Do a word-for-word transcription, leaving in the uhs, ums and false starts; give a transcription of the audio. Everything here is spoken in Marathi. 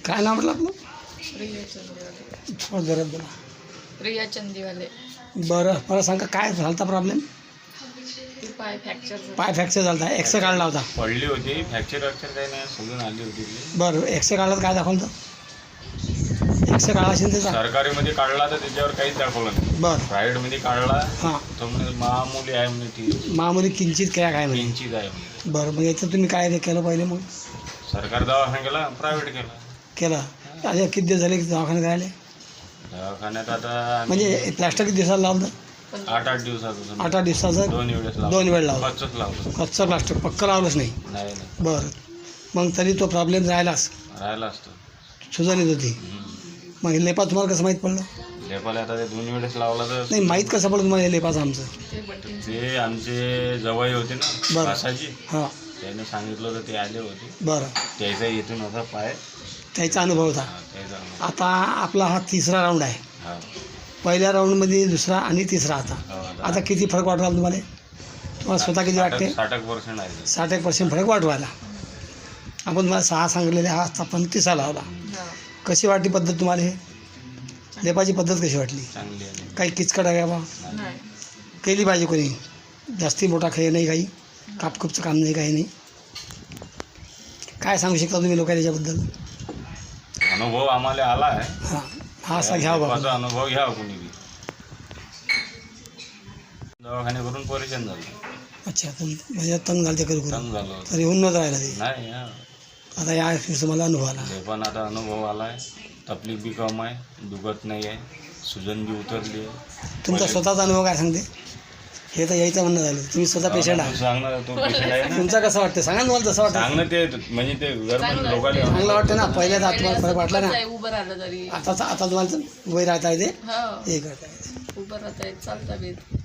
काय नाव म्हटलं आपलं? रिया चंदीवाले. थोडं जोरात बोला. रिया चंदीवाले. बरं मला सांगा काय झाला होता प्रॉब्लेम? ती पाय फ्रॅक्चर पाय फ्रॅक्चर झाला होता, एक्सरे काढला होता. पडली होती, फ्रॅक्चर वॅक्चर काही नाही, सोडून आली होती ती. बरं एक्सरे काढला तर काय दाखवलं होतं? एक्सरे काढला असेल त्याचा? सरकारीमध्ये काढला तर त्याच्यावर काहीच दाखवलं नाही. बरं प्रायव्हेटमध्ये काढला हां तो म्हणजे मामूली आहे म्हणजे ती मामुली किंचित काय काय म्हणजे. किंचित आहे म्हणजे. बरं मग याचं तुम्ही काय केलं पहिले मग? सरकारी दवाखाना केला, प्रायव्हेट केला. केलं अरे किती दिवस झाले की दवाखान्यात राहिले? दवाखान्यात आता म्हणजे प्लास्टर किती दिवसाला लावलं? आठ आठ दिवसाचं आठ आठ दिवसाचं दोन वेळेस लावलं. दोन वेळ लावलं. कच्चंच लावलं. कच्चं प्लास्टर पक्कं लावलंच नाही? नाही नाही बरं मग तरी तो प्रॉब्लेम राहिलाच, राहिला असतो. सुजन येत होती. मग हे लेपा तुम्हाला कसं माहीत पडलं? लेपाला आता ते दोन वेळेस लावला तर नाही माहीत कसं पडलं तुम्हाला हे लेपाचं आमचं? ते आमचे जवळ होते ना बरं. कासाजी, हां त्याने सांगितलं होतं ते आले होते. बरं त्याचा इथून होता पाय. त्याचा अनुभव होता. हा, त्याचा अनुभव. आता आपला हा तिसरा राऊंड आहे. हा. पहिल्या राऊंडमध्ये दुसरा आणि तिसरा आता. हो, आता किती फरक वाटला तुम्हाला? तुम्हाला स्वतः किती वाटते? साठ एक पर्सेंट आहे. साठ एक पर्सेंट फरक वाटू राहिला. आपण तुम्हाला सहा सांगलेले हा आपण तिसरा लावला. कशी वाटली पद्धत तुम्हाला? हे लेपाची पद्धत कशी वाटली? चांगली आहे. काही किचकट आहे बा? नाही. केली पाहिजे कोणी, जास्ती मोठा खेळ नाही, काही कापकुपचं काम नाही, काही नाही. काय सांगू शकता तुम्ही लोक त्याच्याबद्दल? अनुभव आम्हाला आला आहे. हां हा असा घ्या बा. लेपाचा अनुभव घ्या कोणी बी. दवाखाने करून परेशान झालो. अच्छा तुम म्हणजे तंग झालं ते करू करू तंग झालो. तरी होऊन नव्हतं राहिलं ते. नाही हा. आता या तुम्हाला अनुभव आला. ते पण आता अनुभव आला आहे. तकलीफ बी कम आहे, दुखत नाही आहे, सुजन बी उतरली आहे. तुमचा स्वतःचा अनुभव काय सांगते? हे तर यायचं म्हणणं झालं, तुम्ही स्वतः पेशंट तू आहात. सांग ना, तू पेशंट आहे ना. तुमचं कसं वाटतं सांगा ना, तुम्हाला जसं वाटतं. सांग ना ते म्हणजे ते गरम लोकांना चांगलं वाटतं ना? पहिल्याच तुम्हाला फरक वाटला ना? उभं राहिलं तरी. आता आता तुम्हाला वय राहता येते, हो हे करता येते. उभं राहता येत, चालता येत.